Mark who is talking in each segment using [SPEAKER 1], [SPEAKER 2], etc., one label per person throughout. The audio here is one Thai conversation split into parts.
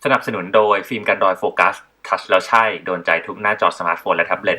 [SPEAKER 1] สนับสนุนโดยฟิล์มกันรอยโฟกัสทัชแล้วใช่โดนใจทุกหน้าจอสมาร์ทโฟนและแท็บเล็ต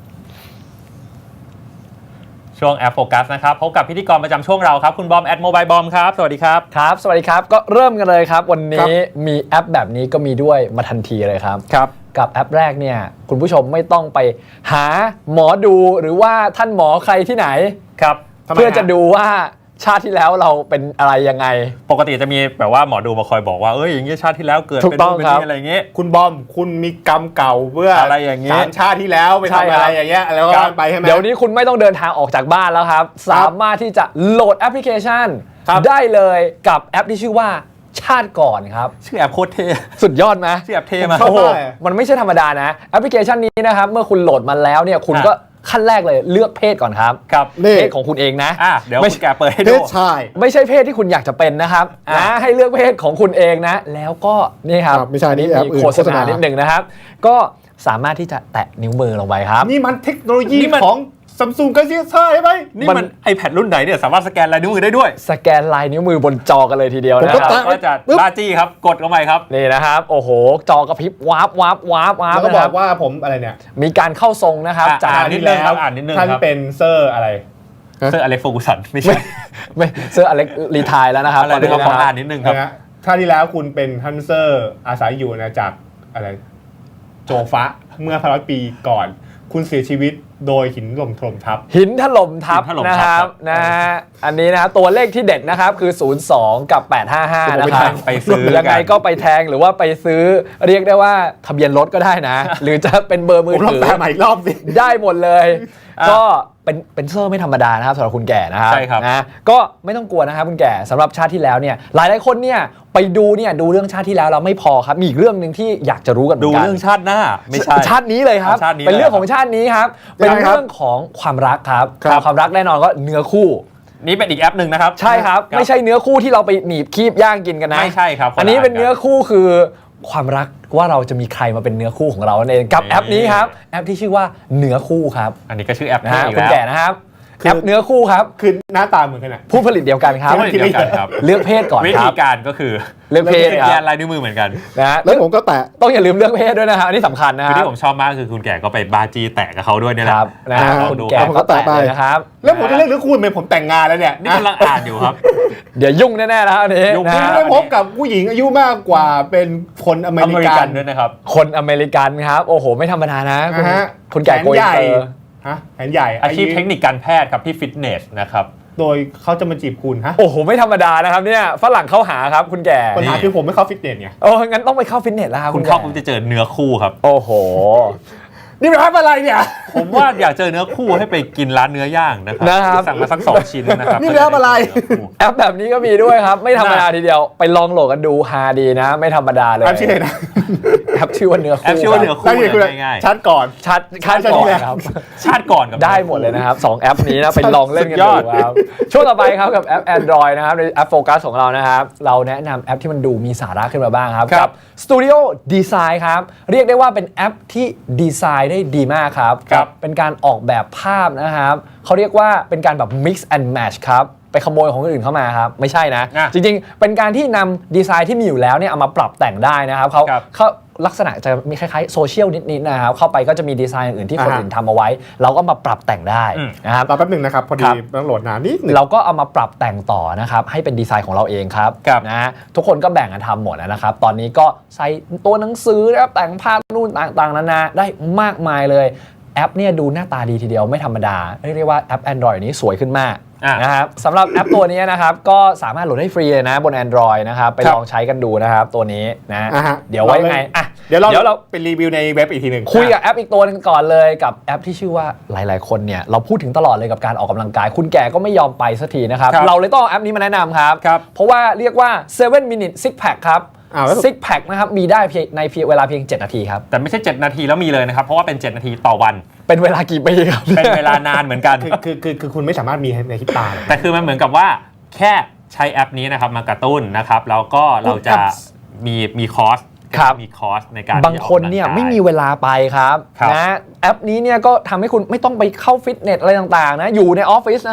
[SPEAKER 2] ช่วงแอปโฟกัสนะครับพบกับพิธีกรประจำช่วงเราครับคุณบอมแอดโมบายบอมครับสวัสดีครับ
[SPEAKER 3] ครับสวัสดีครับก็เริ่มกันเลยครับวันนี้มีแอปแบบนี้ก็มีด้วยมาทันทีเลยครับกับแอปแรกเนี่ยคุณผู้ชมไม่ต้องไปหาหมอดูหรือว่าท่านหมอใครที่ไหน
[SPEAKER 2] ครับ
[SPEAKER 3] เพื่อจะดูว่าชาติที่แล้วเราเป็นอะไรยังไง
[SPEAKER 2] ปกติจะมีแบบว่าหมอดูมาคอยบอกว่าอย่างงี้ชาติที่แล้วเกิดเป็นนู่นเป็นนี่อะไรอย่างงี้
[SPEAKER 4] คุณบอมคุณมีกรรมเก่าเมื่อ
[SPEAKER 2] อะไรอย่างงี้
[SPEAKER 4] 3 ชาติที่แล้วไปทำอะไรอย่างเงี้ยแล้วก็ไปใช่ไหม
[SPEAKER 3] เดี๋ยวนี้คุณไม่ต้องเดินทางออกจากบ้านแล้วครับสามารถที่จะโหลดแอปพลิเคชันได้เลยกับแอปที่ชื่อว่าชาติก่อนครับ
[SPEAKER 2] ชื่อแอปโคตรเท่
[SPEAKER 3] สุดยอดไหม
[SPEAKER 2] ชื่อแอปเท่มาก
[SPEAKER 3] โอ้โหมันไม่ใช่ธรรมดานะแอปพลิเคชันนี้นะครับเมื่อคุณโหลดมาแล้วเนี่ยคุณก็ขั้นแรกเลยเลือกเพศก่อนครับเพศของคุณเองนะ
[SPEAKER 2] เดี๋ยวแกเปิดให้ดู
[SPEAKER 4] เพศชาย
[SPEAKER 3] ไม่ใช่เพศที่คุณอยากจะเป็นนะครับนะให้เลือกเพศของคุณเองนะแล้วก็นี่ครับ
[SPEAKER 4] ไม่ใช่นี่
[SPEAKER 3] มีโฆษณานิดหนึ่งนะครับก็สามารถที่จะแตะนิ้วมือลงไปครับ
[SPEAKER 4] นี่มันเทคโนโลยีของSamsung Galaxy S5 ใช่ไหม
[SPEAKER 2] นี่มัน iPad รุ่นไหนเนี่ยสามารถสแกนลายนิ้วมือได้ด้วย
[SPEAKER 3] สแกนลายนิ้วมือบนจอกันเลยทีเดียวนะครับ
[SPEAKER 2] ก็จะบ้าจี้ครับกดลงไปครับ
[SPEAKER 3] นี่นะครับโอ้โหจอกระพริบวาร์ป
[SPEAKER 4] แล้วก็บอกว่าผมอะไรเนี่ย
[SPEAKER 3] มีการเข้าทรงนะครับ
[SPEAKER 2] จากนิดนึงครับนิดนึง
[SPEAKER 4] ท่านเป็นเซอร์อะไร
[SPEAKER 2] เซอร์อเล็กซ์ เฟอร์กูสันไม่ใช่
[SPEAKER 3] เซอร์อเล็กซ์รีไทร์แล้วนะครับ
[SPEAKER 2] ตอนนี้ขออ่านนิดนึงครับ
[SPEAKER 4] ท่านที่แล้วคุณเป็นท่านเซอร์อาศัยอยู่นะจากอะไรโจฟะเมื่อ100 ปีก่อนคุณเสียชีวิตโดยหินถล่มทับ
[SPEAKER 3] นะครับนะอันนี้นะครับตัวเลขที่เด็ดนะครับคือ02กับ855นะครับ
[SPEAKER 2] ไปซื้อ
[SPEAKER 3] ยังไงก็ไปแทงหรือว่าไปซื้อเรียกได้ว่าทะเบียนรถก็ได้นะหรือจะเป็นเบอร์มือถือ
[SPEAKER 4] แปลใหม่อีกรอบสิ
[SPEAKER 3] ได้หมดเลยก็เป็นเซอร์ไม่ธรรมดานะครับสำหรับคุณแก่นะครับ
[SPEAKER 2] ใช่ครับ
[SPEAKER 3] นะก็ไม่ต้องกลัวนะครับคุณแก่สำหรับชาติที่แล้วเนี่ยหลายคนเนี่ยไปดูเรื่องชาติที่แล้วเราไม่พอครับมีอีกเรื่องนึงที่อยากจะรู้กัน
[SPEAKER 2] ดูเรื่องชาติหน้าไม่ใช่
[SPEAKER 3] ชาตินี้เลยครับเป็นเรื่องของชาตินี้ครับเป็นเรื่องของความรักครับความรักแน่นอนก็เนื้อคู่
[SPEAKER 2] นี่เป็นอีกแอปหนึ่งนะครับ
[SPEAKER 3] ใช่ครับไม่ใช่เนื้อคู่ที่เราไปหนีบคีบย่างกินกันนะ
[SPEAKER 2] ไม่ใช่ครับ
[SPEAKER 3] อันนี้เป็นเนื้อคู่คือความรักว่าเราจะมีใครมาเป็นเนื้อคู่ของเราเองกับแอปนี้ครับแอปที่ชื่อว่าเนื้อคู่ครับ
[SPEAKER 2] อันนี้ก็ชื่อแอป
[SPEAKER 3] นะคุณแก่นะครับแอปเนื้อคู่ครับ
[SPEAKER 4] คือหน้าตาเหมือนกันนะ
[SPEAKER 3] ผู้ผลิตเดียวกันครับเลือกเพศก่อนครับ
[SPEAKER 2] วิธีการก็คือ
[SPEAKER 3] เลือกเพศ
[SPEAKER 2] แยกลายนิ้วมือเหมือนกัน
[SPEAKER 3] นะ
[SPEAKER 4] แล้วผมก็แตะ
[SPEAKER 3] ต้องอย่าลืมเลือกเพศด้วยนะครับอันนี้สำคัญนะครับ
[SPEAKER 2] ที่ผมชอบมากคือคุณแก่ก็ไปบาจีแตะกับเขาด้วยเนี่ยแหละ
[SPEAKER 3] คุณแก่ก็แตะไป
[SPEAKER 4] นะครับแล้วผมจะเลือกหรือคุณเป็นผมแต่งงานแล้วเนี่ย
[SPEAKER 2] นี่กำลังอ่านอยู่ครับ
[SPEAKER 3] เดี๋ยวยุ่งแน่ๆแล้วอันนี้
[SPEAKER 4] คุณได้พบกับผู้หญิงอายุมากกว่าเป็นคนอเมริกัน
[SPEAKER 2] ด้วยนะครับ
[SPEAKER 3] คนอเมริกันครับโอ้โหไม่ธรรมดานะคุณแก่โกยเตอร์
[SPEAKER 4] แขนใหญ่
[SPEAKER 2] อาชีพเทคนิคการแพทย์ครับที่ฟิตเนสนะครับ
[SPEAKER 4] โดยเขาจะมาจีบคุณ
[SPEAKER 3] โอ้โหไม่ธรรมดานะครับเนี่ยฝรั่งเข้าหาครับคุณแก่
[SPEAKER 4] ปัญหาคือผมไม่เข้าฟิตเนสไง
[SPEAKER 3] งั้นต้องไปเข้าฟิตเนสแล้วครับ
[SPEAKER 2] คุณเข้าคุณจะเจอเนื้อคู่ครับ
[SPEAKER 3] โอ้โห
[SPEAKER 4] นี่เป็นอะไรเนี่ย
[SPEAKER 2] ผมว่าอยากเจอเนื้อคู่ให้ไปกินร้านเนื้อย่างนะครับสั่งมาสัก2 ชิ้นนะครับ
[SPEAKER 4] นี่เนื้ออะไร
[SPEAKER 3] แอปแบบนี้ก็มีด้วยครับไม่ธรรมดาทีเดียวไปลองโหลดกันดูฮาดีนะไม่ธรรมดาเลย
[SPEAKER 4] แอปชื่อนะ
[SPEAKER 3] แอปชื่อว่าเนื้อคู่
[SPEAKER 2] แอปชื่อว่าเนื้อคู่ง่าย
[SPEAKER 4] ๆชาติก่อน
[SPEAKER 3] ชาติก่อนครับ
[SPEAKER 2] ชาติก่อนกับ
[SPEAKER 3] ได้หมดเลยนะครับ2แอปนี้นะไปลองเล่นกันดูครับช่วงต่อไปครับกับแอป Android นะครับในแอปโฟกัสของเรานะครับเราแนะนำแอปที่มันดูมีสาระขึ้นมาบ้างครับกับ Studio Design ครับเรียกได้ว่าเป็นแอปที่ดีไซน์ได้ดีมากครับเป็นการออกแบบภาพนะครับเขาเรียกว่าเป็นการแบบ mix and match ครับไปขโมยของคนอื่นเข้ามาครับไม่ใช่นะจริงๆเป็นการที่นำดีไซน์ที่มีอยู่แล้วเนี่ยเอามาปรับแต่งได้นะครับเขาลักษณะจะมีคล้ายๆโซเชียลนิดๆนะครับเข้าไปก็จะมีดีไซน์อื่นที่คนอื่นทำเอาไว้เราก็มาปรับแต่งได้นะครับ
[SPEAKER 4] แป๊บนึงนะครับพอดีต้องโหลดนานนิดนึง
[SPEAKER 3] เราก็เอามาปรับแต่งต่อนะครับให้เป็นดีไซน์ของเราเองครับนะทุกคนก็แบ่งกันทำหมดนะครับตอนนี้ก็ใส่ตัวหนังสือแล้วแต่งภาพนู่นต่างๆนานาได้มากมายเลยแอปเนี่ยดูหน้าตาดีทีเดียวไม่ธรรมดาเรียกได้ว่าแอป Android นี้สวยขึ้นมากนะครับสำหรับแอปตัวนี้นะครับก็สามารถโหลดได้ฟรีเลยนะบน Android นะครับไปลองใช้กันดูนะครับตัวนี้นะเดี๋ยวไว้ไง
[SPEAKER 4] เดี๋ยวเราเป็นรีวิวในเว็บอีกทีหนึ่ง
[SPEAKER 3] คุยกับแอปอีกตัวนึงก่อนเลยกับแอปที่ชื่อว่าหลายๆคนเนี่ยเราพูดถึงตลอดเลยกับการออกกำลังกายคุณแก่ก็ไม่ยอมไปสักทีนะครับเราเลยต้องเอาแอปนี้มาแนะนำครับเพราะว่าเรียกว่า7 minute six pack ครับซิกแพคนะครับมีได้ในเวลาเพียง7 นาทีครับ
[SPEAKER 2] แต่ไม่ใช่7 นาทีแล้วมีเลยนะครับเพราะว่าเป็น7 นาทีต่อวัน
[SPEAKER 3] เป็นเวลากี่ปีครับ
[SPEAKER 2] เป็นเวลานานเหมือนกัน
[SPEAKER 4] คือคุณไม่สามารถมีในคิดตา
[SPEAKER 2] แต่คือมันเหมือนกับว่าแค่ใช้แอปนี้นะครับมากระตุ้นนะครับแล้วก็เราจะมีคอร์สมีคอร์สในการ
[SPEAKER 3] บางคนเนี่ยไม่มีเวลาไปครับนะแอปนี้เนี่ยก็ทำให้คุณไม่ต้องไปเข้าฟิตเนสอะไรต่างๆนะอยู่ในออฟฟิศนะครับ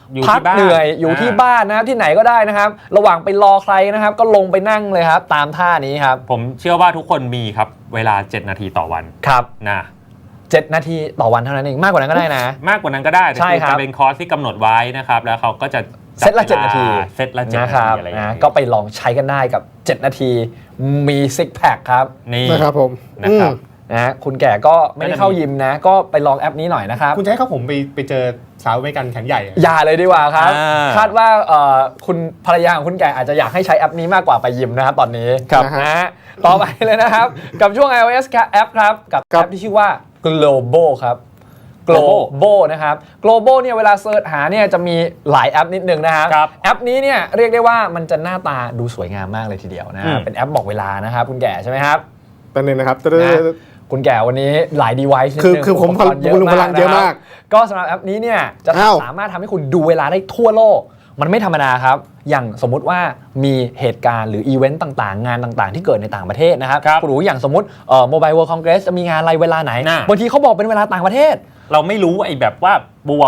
[SPEAKER 2] อยู่
[SPEAKER 3] พัก
[SPEAKER 2] ที่บ้าน
[SPEAKER 3] เหนื่อยอยู่ที่บ้านนะครับที่ไหนก็ได้นะครับ ระหว่างไปรอใครนะครับ ก็ลงไปนั่งเลยครับ ตามท่านี้ครับ
[SPEAKER 2] ผมเชื่อว่าทุกคนมีครับเวลา 7 นาทีต่อวัน
[SPEAKER 3] ครับ
[SPEAKER 2] นะ
[SPEAKER 3] 7 นาทีต่อวันเท่านั้นเองมากกว่านั้นก็ได้นะ
[SPEAKER 2] มากกว่านั้นก็ได้แต่
[SPEAKER 3] ใช่
[SPEAKER 2] คือ
[SPEAKER 3] ครับ
[SPEAKER 2] จะเป็นคอร์สที่กำหนดไว้นะครับแล้วเขาก็จะ
[SPEAKER 3] เซตละ 7 นาที
[SPEAKER 2] เซตละ7
[SPEAKER 3] นะ
[SPEAKER 2] นา
[SPEAKER 3] ค
[SPEAKER 2] ที
[SPEAKER 3] รับ
[SPEAKER 2] อะไรอย่าง
[SPEAKER 3] นะ
[SPEAKER 2] เงี้ย
[SPEAKER 3] ก็ไปลองใช้กันได้กับ 7 นาทีมีซิกแพคครับ
[SPEAKER 2] นี่
[SPEAKER 4] นะครับผม
[SPEAKER 2] นะครับ
[SPEAKER 3] นะคุณแก่ก็ไม่ได้เข้ายิมนะ ก็ไปลองแอปนี้หน่อยนะครับ
[SPEAKER 4] คุณจะให้เขาผมไปเจอสาวอเมริกันแขนใหญ่อะ
[SPEAKER 3] อย่าเลยดีกว่าครับ
[SPEAKER 2] อ่า
[SPEAKER 3] คาดว่าคุณภรรยาของคุณแก่อาจจะอยากให้ใช้แอปนี้มากกว่าไปยิมนะครับตอนนี้
[SPEAKER 4] ครับ
[SPEAKER 3] นะฮะต่อไปเลยนะครับ กับช่วง iOS แอปครับ กับ
[SPEAKER 4] ครั
[SPEAKER 3] แอบ ปที่ชื่อว่า Global ครับ
[SPEAKER 2] Global
[SPEAKER 3] Global นะครับ Global เนี่ยเวลาเสิร์ชหาเนี่ยจะมีหลายแอปนิดนึงนะครับ
[SPEAKER 2] ครับ
[SPEAKER 3] แอปนี้เนี่ยเรียกได้ว่ามันจะหน้าตาดูสวยงามมากเลยทีเดียวนะ
[SPEAKER 2] อืม
[SPEAKER 3] เป็นแอปบอกเวลานะครับคุณแก่ใช่ไหมครับ
[SPEAKER 4] แป๊บนึงนะครับ
[SPEAKER 3] นะคุณแก่วันนี้หลาย device นิดนึง
[SPEAKER 4] คือผม
[SPEAKER 3] อุปกรณ์
[SPEAKER 4] พลังเยอะมาก
[SPEAKER 3] นะครับก็สำหรับแอปนี้เนี่ยจะ
[SPEAKER 4] อ้าว
[SPEAKER 3] สามารถทำให้คุณดูเวลาได้ทั่วโลก มันไม่ธรรมดาครับ อย่างสมมุติว่ามีเหตุการณ์หรืออีเวนต์ต่างๆ งานต่างๆ ที่เกิดในต่างประเทศนะครับ
[SPEAKER 2] ครับ
[SPEAKER 3] คุณรู้อย่างสมมติMobile World Congress จะมีงานอะไรเวลาไหน
[SPEAKER 2] น่ะ
[SPEAKER 3] บางทีเขาบอกเป็นเวลาต่างประเทศ
[SPEAKER 2] เราไม่รู้ไอ้แบบว่าบวก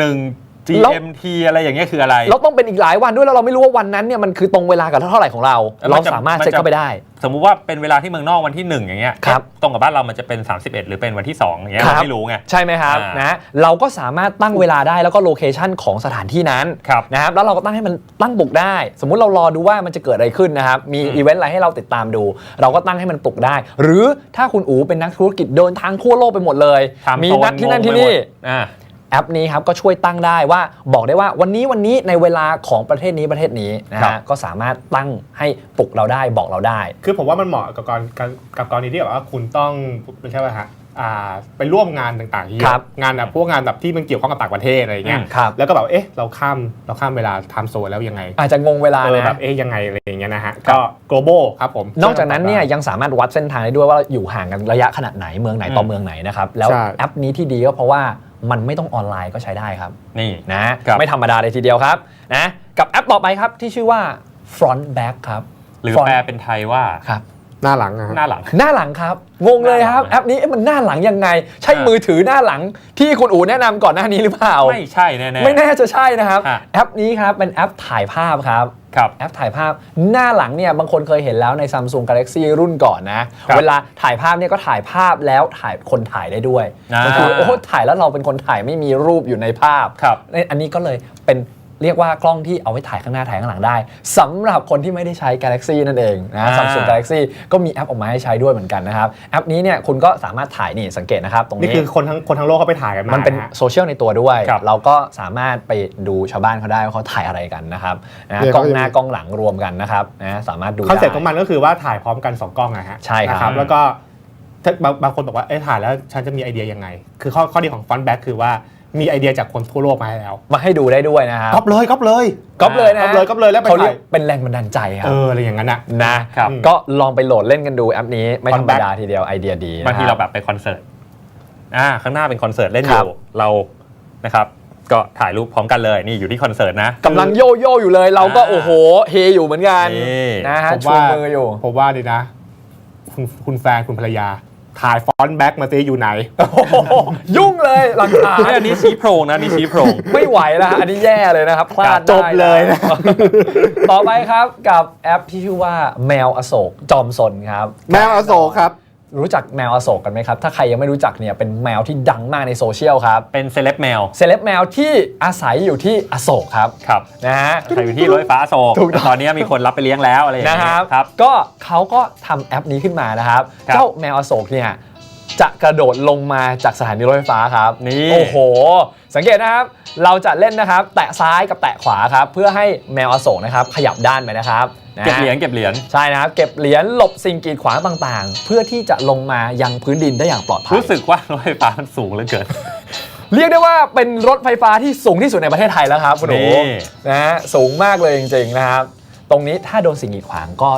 [SPEAKER 2] 1 GMT อะไรอย่างเงี้ยคืออะไร
[SPEAKER 3] เราต้องเป็นอีกหลายวันด้วยแล้วเราไม่รู้ว่าวันนั้นเนี่ยมันคือตรงเวลากับเท่าไหร่ของเรา
[SPEAKER 2] แล้วมั
[SPEAKER 3] เรา
[SPEAKER 2] นจะ
[SPEAKER 3] สามารถ
[SPEAKER 2] มันจะ
[SPEAKER 3] เช็คเข้าไปได้
[SPEAKER 2] สมมุติว่าเป็นเวลาที่เมืองนอกวันที่ 1 อย่างเงี้ย
[SPEAKER 3] ครับ
[SPEAKER 2] ตรงกับบ้านเรามันจะเป็น 31 หรือเป็นวันที่ 2 อย่างเงี้ย
[SPEAKER 3] ครับ
[SPEAKER 2] เราไม่รู้ไง
[SPEAKER 3] ใช่ไหมครับ
[SPEAKER 2] อ่าน
[SPEAKER 3] นะเราก็สามารถตั้งเวลาได้แล้วก็โลเคชันของสถานที่นั้น
[SPEAKER 2] ครับ
[SPEAKER 3] นะครับแล้วเราก็ตั้งให้มันตั้งปลุกได้ สมมุติเรารอดูว่ามันจะเกิดอะไรขึ้นนะครับมีอีเวนต์อะไรให้เราติดตามดู เราก็ตั้งให้มันปลุกได้ หรือถ้าคุณอู๋เป็นนักธุรกิจเดินทางทั่วโลกไปหมดเลย
[SPEAKER 2] Time
[SPEAKER 3] มี
[SPEAKER 2] zone
[SPEAKER 3] นัดที่นั่น
[SPEAKER 2] งง
[SPEAKER 3] ที่
[SPEAKER 2] ไปหม
[SPEAKER 3] นี่
[SPEAKER 2] ดอ่า
[SPEAKER 3] แอปนี้ครับก็ช่วยตั้งได้ว่าบอกได้ว่าวันนี้ในเวลาของประเทศนี้นะ
[SPEAKER 2] ครั
[SPEAKER 3] ฮะ
[SPEAKER 2] บ
[SPEAKER 3] ก็สามารถตั้งให้ปลุกเราได้บอกเราได้
[SPEAKER 4] คือผมว่ามันเหมาะกับกรณีที่แบบว่าคุณต้องไม่ใช่ว่าฮะไปร่วมงานต่างๆที่เย
[SPEAKER 3] ครั
[SPEAKER 4] อะ
[SPEAKER 3] บ
[SPEAKER 4] งานแบบพวกงานแบบที่มันเกี่ยวข้องกับต่างประเทศอะไรอย่างเงี้ย
[SPEAKER 3] ครับ
[SPEAKER 4] แล้วก็แบบเอ๊ะเราข้ามเวลาไทม์โซนแล้วยังไง
[SPEAKER 3] อาจจะงงเวลา
[SPEAKER 4] แบ
[SPEAKER 3] นะ
[SPEAKER 4] บเอ๊ะยังไงอะไรอย่างเงี้ยนะฮะก็ global ครับผม
[SPEAKER 3] นอกจากนั้นเนี่ยยังสามารถวัดเส้นทางได้ด้วยว่าอยู่ห่างกันระยะขนาดไหนเมืองไหนต่อเมืองไหนนะครับแล้ว
[SPEAKER 4] ใช่
[SPEAKER 3] แอปนี้ที่ดีก็เพราะว่ามันไม่ต้องออนไลน์ก็ใช้ได้ครับ
[SPEAKER 2] นี่
[SPEAKER 3] นะครับ ไม่ธรรมดาเลยทีเดียวครับนะกับแอปต่อไปครับที่ชื่อว่า Front Back ครับ
[SPEAKER 2] หรือ
[SPEAKER 3] Front
[SPEAKER 2] แปลเป็นไทยว่า
[SPEAKER 3] ครับ
[SPEAKER 4] หน้าหลังนะฮะ
[SPEAKER 2] หน้าหลัง
[SPEAKER 3] หน้าหลังครับงงเลยครับ
[SPEAKER 2] หน้าหลัง
[SPEAKER 3] แอปนี้มันหน้าหลังยังไง ใช่
[SPEAKER 2] อ่ามื
[SPEAKER 3] มือถือหน้าหลังที่คุณอู๋แนะนำก่อนหน้านี้หรือเปล่า
[SPEAKER 2] ไม่ใช่แน่ๆ
[SPEAKER 3] ไม่แน่จะใช่นะครับ
[SPEAKER 2] ฮะ
[SPEAKER 3] แอปนี้ครับเป็นแอปถ่ายภาพครับ
[SPEAKER 2] ครับ
[SPEAKER 3] แอปถ่ายภาพหน้าหลังเนี่ยบางคนเคยเห็นแล้วใน Samsung Galaxy รุ่นก่อนนะครับ เวลาถ่ายภาพเนี่ยก็ถ่ายภาพแล้วถ่ายคนถ่ายได้ด้วย
[SPEAKER 2] อ่า
[SPEAKER 3] ก็คือโอ้ถ่ายแล้วเราเป็นคนถ่ายไม่มีรูปอยู่ในภาพ
[SPEAKER 2] ครับ
[SPEAKER 3] อันนี้ก็เลยเป็นเรียกว่ากล้องที่เอาไว้ถ่ายข้างหน้าถ่ายข้างหลังได้สำหรับคนที่ไม่ได้ใช้ Galaxy นั่นเองนะ Samsung Galaxy ก็มีแอปออกมาให้ใช้ด้วยเหมือนกันนะครับแอปนี้เนี่ยคุณก็สามารถถ่ายนี่สังเกตนะครับตรง
[SPEAKER 4] นี่
[SPEAKER 3] นี้
[SPEAKER 4] คือคนทั้งโลกเขาไปถ่ายกันมา
[SPEAKER 3] มันเป็น
[SPEAKER 4] นะฮะ
[SPEAKER 3] โซเชียลในตัวด้วย
[SPEAKER 2] ครับ
[SPEAKER 3] เราก็สามารถไปดูชาวบ้านเขาได้ว่าเขาถ่ายอะไรกันนะครับนะ
[SPEAKER 4] เนี่ย
[SPEAKER 3] กล้อง
[SPEAKER 4] เขาจะ
[SPEAKER 3] หน้ากล้องหลังรวมกันนะครับนะสามารถดู
[SPEAKER 4] คอนเซ็ปต์
[SPEAKER 3] ได้
[SPEAKER 4] ของมันก็คือว่าถ่ายพร้อมกัน 2 กล้องนะฮะ
[SPEAKER 3] ใช่ครับ
[SPEAKER 4] นะแล้วก็ถ้าบางคนบอกว่าเอ้ถ่ายแล้วฉันจะมีไอเดียยังไง คือข้อดีของฟอนต์แบ็กคือว่ามีไอเดียจากคนทั่วโลกมาให้แล้ว
[SPEAKER 3] มาให้ดูได้ด้วยนะครับ
[SPEAKER 4] ก๊อปเลย
[SPEAKER 3] ก๊อปเลยนะ
[SPEAKER 4] ก๊อปเลยแล้วไป
[SPEAKER 3] เขาเรีย
[SPEAKER 4] ถ่าก ย
[SPEAKER 3] เป็นแรงบันดาลใจครับ
[SPEAKER 4] อะไรอย่างนั้นอ่ะ
[SPEAKER 3] นะครับ ก็ลองไปโหลดเล่นกันดูแอปนี้ไม่ธรรม
[SPEAKER 4] Fun
[SPEAKER 3] ดาทีเดียวไอเดียดี
[SPEAKER 2] บางที
[SPEAKER 3] นะค
[SPEAKER 2] เรา
[SPEAKER 3] บ
[SPEAKER 2] แบบไปคอนเสิร์ตข้างหน้าเป็นคอนเสิร์ตเล่นอ
[SPEAKER 3] ครั
[SPEAKER 2] ยู่
[SPEAKER 3] บ
[SPEAKER 2] เรานะครับก็ถ่ายรูปพร้อมกันเลยนี่อยู่ที่คอนเสิร์ตนะ
[SPEAKER 3] กำลังโยโย่อยู่เลยเราก็
[SPEAKER 2] อ่า
[SPEAKER 3] โอ้โหเฮอยู่เหมือนกัน
[SPEAKER 2] นี่
[SPEAKER 3] นะฮะ
[SPEAKER 4] ผม
[SPEAKER 3] ชู
[SPEAKER 4] ว่า
[SPEAKER 3] มืออยู่
[SPEAKER 4] ผมว่าดีนะ คุณแฟนคุณภรรยา ถ่ายฟอนต์แบ็กมาซิอยู่ไหน
[SPEAKER 3] โอ้โหยุ่งเลยหลังคา
[SPEAKER 2] อันนี้ชี้โพรงนะนี่ชี้โพรง
[SPEAKER 3] ไม่ไหวแล้วฮะอันนี้แย่เลยนะครับพลาด
[SPEAKER 4] จบเลยนะ
[SPEAKER 3] ต่อไปครับกับแอปที่ชื่อว่าแมวอโศกจอมซนครับ
[SPEAKER 4] แมวอโศกครับ
[SPEAKER 3] รู้จักแมวอโศกกันไหมครับ ถ้าใครยังไม่รู้จักเนี่ยเป็นแมวที่ดังมากในโซเชียลครับ
[SPEAKER 2] เป็นเซเลบแมว
[SPEAKER 3] เซเลบแมวที่อาศัยอยู่ที่อโศกครับ
[SPEAKER 2] ครับ
[SPEAKER 3] นะฮะ
[SPEAKER 2] ใครอยู่ที่รถไฟฟ้าอโศก
[SPEAKER 3] ถูกต้อง
[SPEAKER 2] ตอนนี้มีคนรับไปเลี้ยงแล้วอะไรอย่าง
[SPEAKER 3] นะ
[SPEAKER 2] เงี้
[SPEAKER 3] ครับ
[SPEAKER 2] ยครับ
[SPEAKER 3] ก็เขาก็ทำแอปนี้ขึ้นมานะครับ
[SPEAKER 2] ครับ
[SPEAKER 3] เจ้าแมวอโศกเนี่ยจะกระโดดลงมาจากสถานีรถไฟฟ้าครับ
[SPEAKER 2] นี่
[SPEAKER 3] โอ้โห สังเกตนะครับ เราจะเล่นนะครับ แตะซ้ายกับแตะขวาครับ เพื่อให้แมวอโศกนะครับขยับด้านไปนะครับนะ
[SPEAKER 2] เก็บเหรียญ
[SPEAKER 3] ใช่นะครับ เก็บเหรียญหลบสิ่งกีดขวางต่างๆ เพื่อที่จะลงมายังพื้นดินได้อย่างปลอดภัย
[SPEAKER 2] รู้สึกว่ารถไฟฟ้ามันสูงเหลือเกิน
[SPEAKER 3] เรียกได้ว่าเป็นรถไฟฟ้าที่สูงที่สุดในประเทศไทยแล้วครับคุณหนู
[SPEAKER 2] นี่
[SPEAKER 3] นะฮะสูงมากเลยจริงๆนะครับ ตรงนี้ถ้าโดนสิ่งกีดขวางก็จะ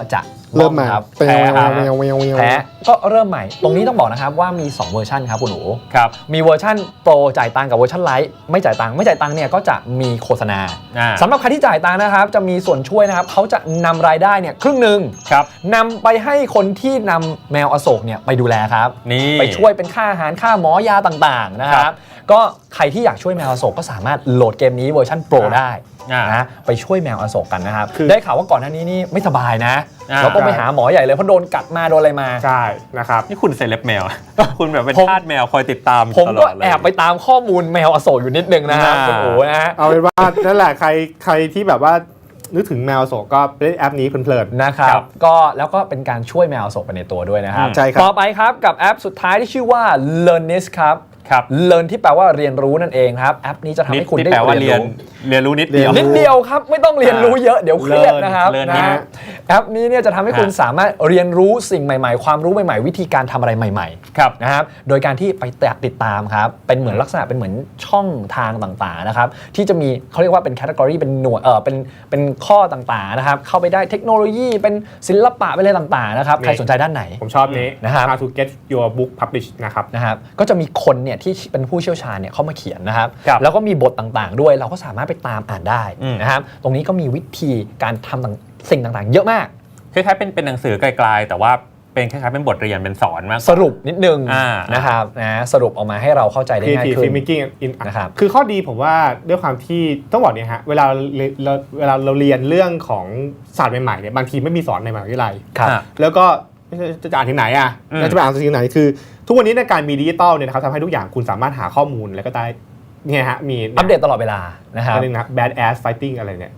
[SPEAKER 4] เริ่มใหม่
[SPEAKER 3] ครับ
[SPEAKER 4] แพ้
[SPEAKER 3] แพ้ก็เริ่มใหม่ตรงนี้ต้องบอกนะครับว่ามี2เวอร์ชันครับคุณหนู
[SPEAKER 2] ครับ
[SPEAKER 3] มีเวอร์ชันโปรจ่ายตังค์กับเวอร์ชันไลท์ไม่จ่ายตังค์เนี่ยก็จะมีโฆษณา สำหรับใครที่จ่ายตังค์นะครับจะมีส่วนช่วยนะครับเขาจะนำรายได้เนี่ยครึ่งหนึ่ง
[SPEAKER 2] ครับ
[SPEAKER 3] นำไปให้คนที่นำแมวอโศกเนี่ยไปดูแลครับ
[SPEAKER 2] นี่
[SPEAKER 3] ไปช่วยเป็นค่าอาหารค่าหมอยาต่างๆนะครับก็ใครที่อยากช่วยแมวอโศกก็สามารถโหลดเกมนี้เวอร์ชันโปรได้นะไปช่วยแมวอโศกกันนะครับได้ข่าวว่าก่อนหน้านี้นี่ไม่สบายนะแล้วก็ไปหาหมอใหญ่เลยเพราะโดนกัดมาโดนอะไรมา
[SPEAKER 4] ใช่นะครับ
[SPEAKER 2] นี่คุณเซเลบแมว คุณแบบเป็นทาสแมวคอยติดตาม
[SPEAKER 3] ผม
[SPEAKER 2] ตล
[SPEAKER 3] ก็
[SPEAKER 2] อดเลย
[SPEAKER 3] แอบไปตามข้อมูลแมวอโศกอยู่นิดนึงนะครับคุณโอ๋นะฮะ
[SPEAKER 4] เอาเป็นว่านั่นแหละใครที่แบบว่านึกถึงแมวโศกก็เล่นแอปนี้เพลิน
[SPEAKER 3] นะครับก็แล้วก็เป็นการช่วยแมวอโศกไปในตัวด้วยนะครับ
[SPEAKER 4] ใช่ครับ
[SPEAKER 3] ต่อไปครับกับแอปสุดท้ายที่ชื่อว่า Learnist ครับ
[SPEAKER 2] ครับ
[SPEAKER 3] Learn ที่แปลว่าเรียนรู้นั่นเองครับแอปนี้จะทำให้คุณได้
[SPEAKER 2] แปลว่าเรียนรู้นิดเดียว
[SPEAKER 3] นิดเดียวครับไม่ต้องเรียนรู้เยอะเดี๋ยวเครียดนะครับ
[SPEAKER 2] Learn
[SPEAKER 3] นะฮะแอปนี้เนี่ยจะทำให้คุณสามารถเรียนรู้สิ่งใหม่ๆความรู้ใหม่ๆวิธีการทำอะไรใหม่ๆ
[SPEAKER 2] ครับ
[SPEAKER 3] นะครับโดยการที่ไปติดตามครับเป็นเหมือนลักษณะเป็นเหมือนช่องทางต่างๆนะครับที่จะมีเขาเรียกว่าเป็นแคตตากรีเป็นหน่วยเป็นข้อต่างๆนะครับเข้าไปได้เทคโนโลยีเป็นศิลปะเป็นอะไรต่างๆนะครับใครสนใจด้านไหน
[SPEAKER 4] ผมชอบนี้
[SPEAKER 3] นะครับ
[SPEAKER 4] How to get your book published นะครับ
[SPEAKER 3] นะครับก็จะมีคนเนี่ยที่เป็นผู้เชี่ยวชาญเนี่ยเข้ามาเขียนนะครับ
[SPEAKER 2] ครับ
[SPEAKER 3] แล้วก็มีบทต่างๆด้วยเราก็สามารถไปตามอ่านได้
[SPEAKER 2] อืม
[SPEAKER 3] นะครับตรงนี้ก็มีวิธีการทำสิ่งต่างๆ เยอะมาก
[SPEAKER 2] คล้ายๆเป็นหนังสือไกลๆแต่ว่าเป็นคล้ายๆเป็นบทเรียนเป็นสอนมาก
[SPEAKER 3] สรุปนิดนึง
[SPEAKER 2] อ่า
[SPEAKER 3] นะครับนะสรุปออกมาให้เราเข้าใจได้ง่าย
[SPEAKER 4] Creative
[SPEAKER 3] ขึ้น
[SPEAKER 4] Filmmaking in
[SPEAKER 3] นะครับ
[SPEAKER 4] คือข้อดีผมว่าด้วยความที่ต้องบอกเนี่ยฮะเวลาเราเรียนเรื่องของศาสตร์ใหม่ๆเนี่ยบางทีไม่มีสอนในมหาวิทยาลัย
[SPEAKER 3] ครับ
[SPEAKER 4] แล้วก็จะอ่านที่ไหนอ่ะ
[SPEAKER 2] อืม
[SPEAKER 4] แล้วจะไปอ่านที่ไหนคือ ทุกวันนี้ในการมีดิจิตอลเนี่ยนะครับทำให้ทุกอย่างคุณสามารถหาข้อมูลแล้วก็ได้เนี่ยฮะมี
[SPEAKER 3] อัปเดตตลอดเวลานะครับ
[SPEAKER 4] อันนึงนะ bad ass fighting อะไรเนี่ย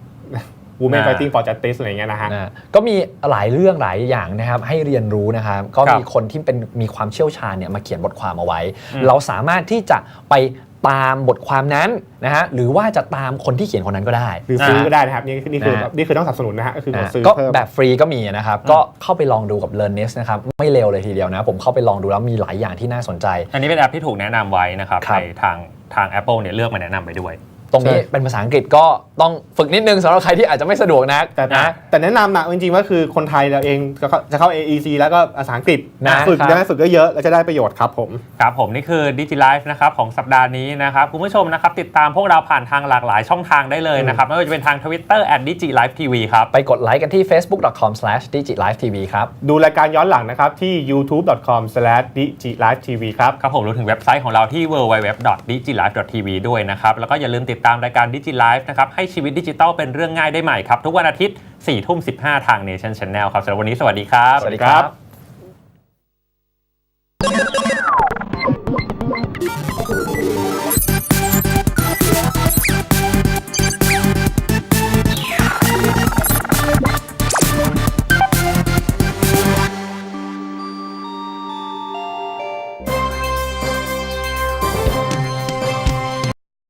[SPEAKER 4] women fighting for justice อะไรเงี้ยนะฮะ
[SPEAKER 3] นะก็มีหลายเรื่องหลายอย่างนะครับให้เรียนรู้นะครับก็มีคนที่มีความเชี่ยวชาญเนี่ยมาเขียนบทความเอาไว้ เราสามารถที่จะไปตามบทความนั้นนะฮะหรือว่าจะตามคนที่เขียนคนนั้นก็ได้
[SPEAKER 4] หรือซื้อก็ได้นะครับนี่คือต้องสนับสนุนนะฮะก็คือกดซื้อ
[SPEAKER 3] ก็
[SPEAKER 4] เพิ่ม
[SPEAKER 3] แบบฟรีก็มีนะครับก็เข้าไปลองดูกับ Learnist นะครับไม่เลวเลยทีเดียวนะผมเข้าไปลองดูแล้วมีหลายอย่างที่น่าสนใจ
[SPEAKER 2] อันนี้เป็นแอปที่ถูกแนะนำไว้นะครับ
[SPEAKER 3] ครับ
[SPEAKER 2] ในทาง Apple เนี่ยเลือกมาแนะนำไปด้วย
[SPEAKER 3] ตรงนี้เป็นภาษาอังกฤษก็ต้องฝึกนิดนึงสำหรับใครที่อาจจะไม่สะดวกนัก
[SPEAKER 4] แต่แนะนำนะจริงๆว่าคือคนไทยเราเองจะเข้า AEC แล้วก็ภาษาอังกฤษ
[SPEAKER 3] นะ
[SPEAKER 4] ฝึก
[SPEAKER 3] ครับ
[SPEAKER 4] ได้ฝึกเยอะๆแล้วจะได้ประโยชน์ครับผม
[SPEAKER 2] ครับผมนี่คือ DigiLife นะครับของสัปดาห์นี้นะครับคุณผู้ชมนะครับติดตามพวกเราผ่านทางหลากหลายช่องทางได้เลยนะครับไม่ว่าจะเป็นทาง Twitter @DigiLifeTV ครับ
[SPEAKER 3] ไปกดไลค์กันที่ facebook.com/digilivetv ครับ
[SPEAKER 4] ดูรายการย้อนหลังนะครับที่ youtube.com/digilivetv ครับ
[SPEAKER 2] ครับผมรวมถึงเว็บไซต์ของเราที่ www.digilife.tv ด้วยนะครับแล้วก็อย่าลืมติดตามรายการ DigiLife นะครับให้ชีวิตดิจิทัลเป็นเรื่องง่ายได้ใหม่ครับทุกวันอาทิตย์ 4:15 ทาง Nation Channel ครับสำหรับวันนี้สวัสดีครับ
[SPEAKER 3] สวัสดีครับ